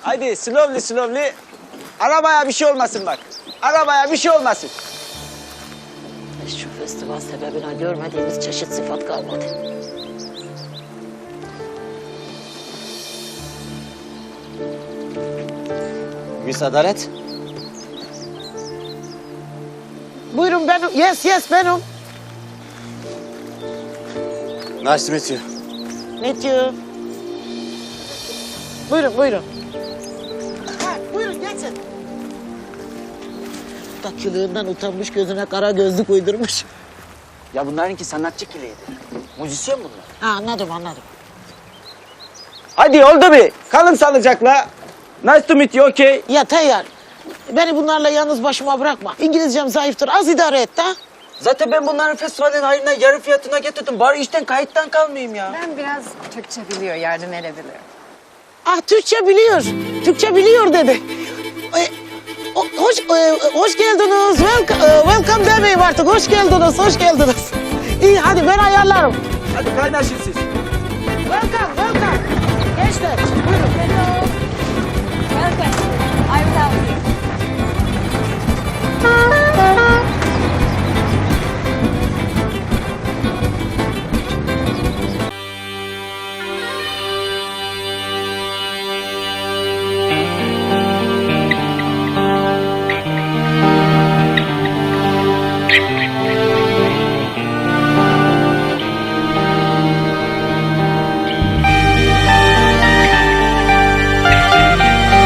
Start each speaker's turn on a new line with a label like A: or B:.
A: Haydi slowly slowly. Arabaya bir şey olmasın bak. Arabaya bir şey olmasın.
B: Şu festival sebebine görmediğimiz çeşit sıfat kalmadı.
A: Miss Adalet.
B: Buyurun benim. Yes benim.
A: Nice to meet you.
B: Meet you. Buyurun. Ha, buyurun geçin. Dakilığından utanmış, gözüne kara gözlük uydurmuş.
A: Ya bunlarınki sanatçı kiliydi. Müzisyen bunlar.
B: Ha, anladım.
A: Hadi oldu bir. Kalın sağlıcakla. Nice to meet you, okay?
B: Ya Tayyar, beni bunlarla yalnız başıma bırakma. İngilizcem zayıftır, az idare et ha.
A: Zaten ben bunların festivalin hayrına yarı fiyatına getirdim. Bari işten kayıttan kalmayayım ya.
C: Ben biraz Türkçe biliyor, yardım edebiliyor.
B: Ah, Türkçe biliyor dedi. Hoş geldiniz. Welcome demeyeyim artık. Hoş geldiniz. İyi, hadi ben ayarlarım.
A: Hadi kaynaşın siz.
B: Welcome. Gençler, buyurun.
C: Welcome. I will help you.